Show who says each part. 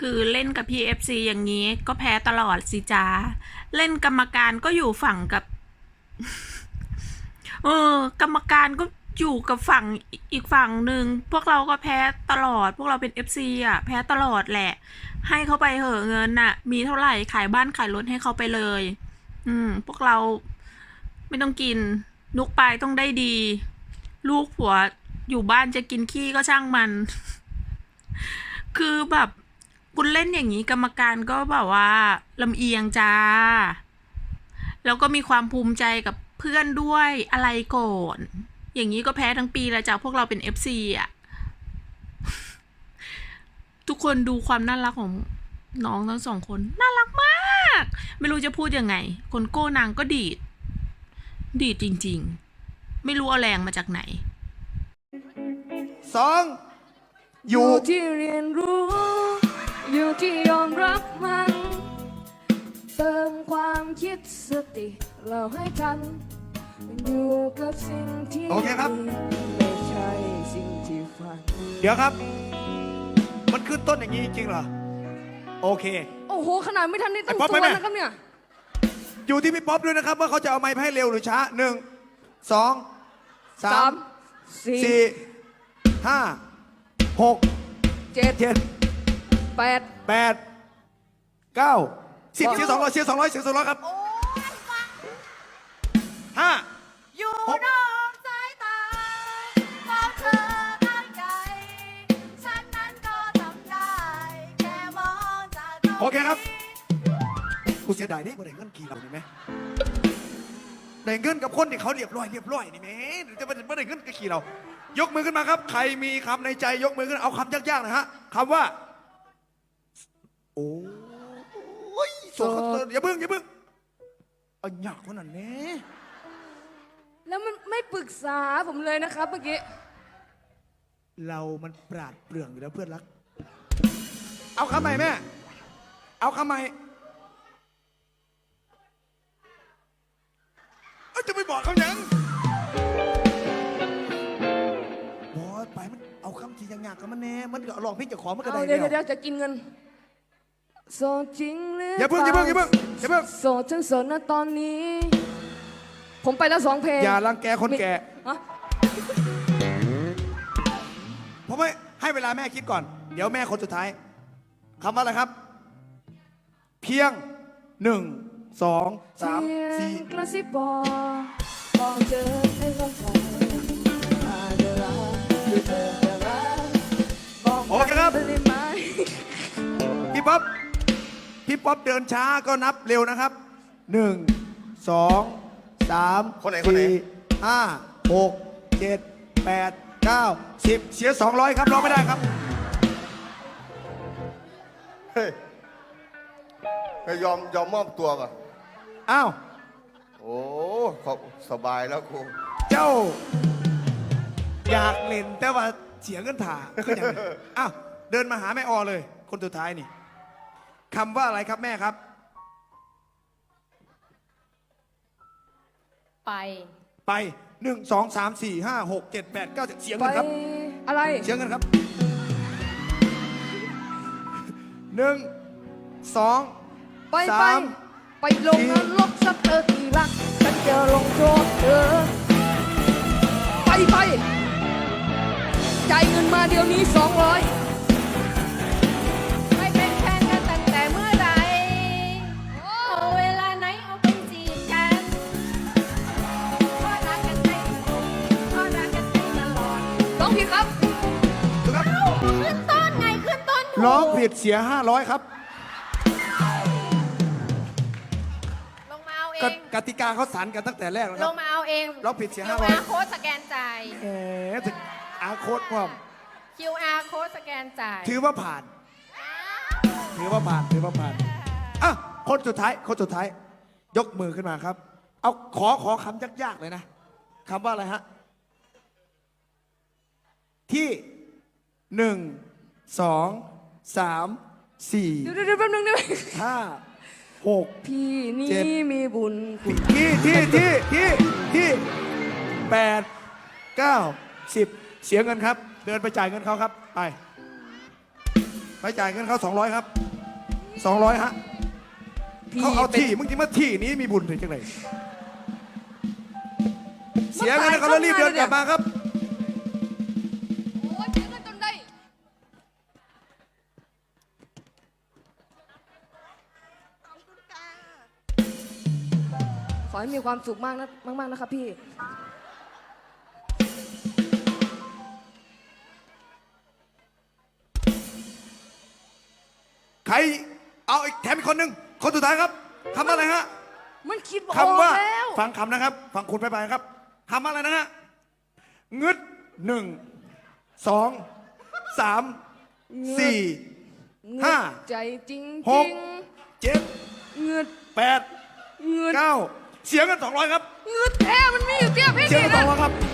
Speaker 1: คือเล่นกับ PFC อย่างนี้ก็แพ้ตลอดสิจ้าเล่นกรรมการก็อยู่ฝั่งกับ กรรมการก็อยู่กับฝั่งอีกฝั่งหนึ่งพวกเราก็แพ้ตลอดพวกเราเป็น FC อ่ะแพ้ตลอดแหละให้เขาไปเหอะเงินน่ะมีเท่าไหร่ขายบ้านขายรถให้เขาไปเลยพวกเราไม่ต้องกินนุกไปต้องได้ดีลูกผัวอยู่บ้านจะกินขี้ก็ช่างมัน คือแบบคุณเล่นอย่างนี้กรรมการก็แบบว่าลำเอียงจ้าแล้วก็มีความภูมิใจกับเพื่อนด้วยอะไรก่อนอย่างนี้ก็แพ้ทั้งปีแล้วจ้าพวกเราเป็น FC อ่ะ ทุกคนดูความน่ารักของน้องทั้งสองคนน่ารักมากไม่รู้จะพูดยังไงคนโก้นางก็ดีดจริงๆไม่รู้เอาแรงมาจากไหน
Speaker 2: สองอยู่
Speaker 3: ที่เรียนรู้อยู่ที่ยอมรับมันเติมความคิดสติเราให้ทันอยู่กับสิ่งที่
Speaker 2: โอเคครับ
Speaker 3: ไม่ใช่สิ่งที่ฝัน
Speaker 2: เดี๋ยวครับ มันขึ้นต้นอย่างนี้จริงเหรอโอเค
Speaker 3: โอ้โหขนาดไม่ทันได้ตั้ง
Speaker 2: ไอ้ป๊อป
Speaker 3: ตัว
Speaker 2: ไปไหม
Speaker 3: นะครับเนี่ย
Speaker 2: อยู่ที่พี่ป๊อปด้วยนะครับว่าเขาจะเอาไม้ให้เร็วหรือช้าหนึ่งสองสาม
Speaker 3: สี่
Speaker 2: สี่ห้าหก
Speaker 3: เจ็ด
Speaker 2: เจ็ด
Speaker 3: แปด
Speaker 2: แปดเก้าสิบเสีย200เสีย200เสีย200ครับห้า
Speaker 4: อยู่นอกสายตาของเธอข้างใจฉันนั้นก็ทำได้แค่มองจากตรงนี้
Speaker 2: โอเคครับกูเสียดายได้บ่ได้เงินกี่เรานี่ไหมได้เงินกับคนที่เขาเรียบร้อยนี่ไหมจะไม่ได้เงินกับกี่เรายกมือขึ้นมาครับใครมีคำในใจยกมือขึ้นเอาคำยากๆนะฮะคำว่าโอ้ยโซ่อย่าเพิ่งเอาหยากคนนั้นแน่
Speaker 3: แล้วมันไม่ปรึกษาผมเลยนะครับเมื่อกี้
Speaker 2: เรามันปราดเปรื่องอยู่แล้วเพื่อนรักเอาคำใหม่แม่เอาคำใหม่จะไปบอกเขายังบอสไปมันเอาคำที่ยากๆกับมันแน่มันก็ลองพี่จะขอมันก็ได้
Speaker 3: เอา
Speaker 2: แล้
Speaker 3: เดี๋ยวจะกินเงินโสดจริงหรือ
Speaker 2: อย่าเพิ่ง
Speaker 3: โสดทั้งโสดนะตอนนี้ ผมไปแล้ว2 เพลง
Speaker 2: อย่ารังแกคนแก่
Speaker 3: ฮะ
Speaker 2: ผมไม่ให้เวลาแม่คิดก่อนเดี๋ยวแม่คนสุดท้ายคำว่าอะไรครับ เพียง1 2 3 4
Speaker 3: กระซิบบอกเธอให้เข้าใจอาจจะรักหรือเธอจะรักบอก
Speaker 2: โอเคครับ
Speaker 3: ได้ไหม
Speaker 2: พี่ป๊อปเดินช้าก็นับเร็วนะครับ1 2 3
Speaker 5: คนไหน
Speaker 2: 4 5 6 7 8 9 10เสีย200ครับร้องไม่ได้ครับ
Speaker 5: เฮ้ยยอมมอบตัวก่อน
Speaker 2: อ้าว
Speaker 5: โอ้ขอบสบายแล้วกู
Speaker 2: เจ้า อยากเล่นแต่ว่าเสียเงินถ่าก็อย่างนั้นอ้าวเดินมาหาแม่ออเลย คนสุดท้ายนี่คำว่าอะไรครับแม่ครับ
Speaker 4: ไป
Speaker 2: ไป1 2 3 4 5 6 7 8 9 10เสีย
Speaker 3: ไป
Speaker 2: เงินครับ
Speaker 3: อะไร
Speaker 2: เสียเงินครับ1 2
Speaker 3: ไป
Speaker 2: 3
Speaker 3: ไปลงนรกสักเธอที่รักฉันจะลงโทษเธอไปจ่ายเงินมาเดี๋ยวนี้200
Speaker 4: ไม่เป็นแฟนกันตั้งแต่เมื่อไหร่เอาเวลาไหนเอาเป็นจีบกันเพราะรักกันให้เพราะรักกันให้ตลอด
Speaker 3: ต้องผิดครับ
Speaker 2: ครับ
Speaker 4: ขึ้นต้นไงขึ้นต้นถูก
Speaker 2: ร้องผิดเสีย500ครับ
Speaker 4: ลงมาเอาเอง
Speaker 2: กติกาเขาสารกันตั้งแต่แรกแล้วค
Speaker 4: ล
Speaker 2: รับ
Speaker 4: งมาเอาเอง
Speaker 2: เราผิดเสีย500
Speaker 4: QR โค้ดสแกนจ่าย
Speaker 2: แหมถึงอาโค้ดความ
Speaker 4: QR โค้ดสแกนจ่าย
Speaker 2: ถือว่าผ่านอ่ะคนสุดท้าย ยกมือขึ้นมาครับ เอาขอคำยากๆเลยนะคำว่าอะไรฮะ ที่1 2 3 4
Speaker 3: เดี๋ยวแป๊บนึงได้ไหม
Speaker 2: 5 6
Speaker 3: พี่นี่
Speaker 2: เจ็ด
Speaker 3: มีบุญคุณ
Speaker 2: ที่8 9 10เสียเงินครับ เดินไปจ่ายเงินเขาครับไปไปจ่ายเงินเขา200ครับ200ฮะเขาเอาที่มึงที่มาที่นี้มีบุญถึงจังไหนเสียเงินเขาแล้วรีบเดินกลับมาครับ
Speaker 4: โอ้ยเสียเงินจนได้
Speaker 3: ขอให้มีความสุขมากนะมากๆนะครับพี่
Speaker 2: ใครเอาอีกแถมอีกคนหนึ่งคนสุดท้ายครับคำว่าอะไรฮะ
Speaker 3: มันคิดบอก
Speaker 2: คำว่า
Speaker 3: แล้ว
Speaker 2: ฟังคำนะครับฟังคุณไปครับคำว่าอะไรนะฮะงึด1 2 3 4 5
Speaker 3: ใจจริง
Speaker 2: ห
Speaker 3: จริ
Speaker 2: ก
Speaker 3: ง
Speaker 2: 7
Speaker 3: เงืด
Speaker 2: 8
Speaker 3: เงืด
Speaker 2: 9เสียเงิน200ครับ
Speaker 3: เงืดแท้มันมีอยู่เตี้ยพี่
Speaker 2: เสีย
Speaker 3: นี่
Speaker 2: เงิน
Speaker 3: นะ
Speaker 2: 200ครับ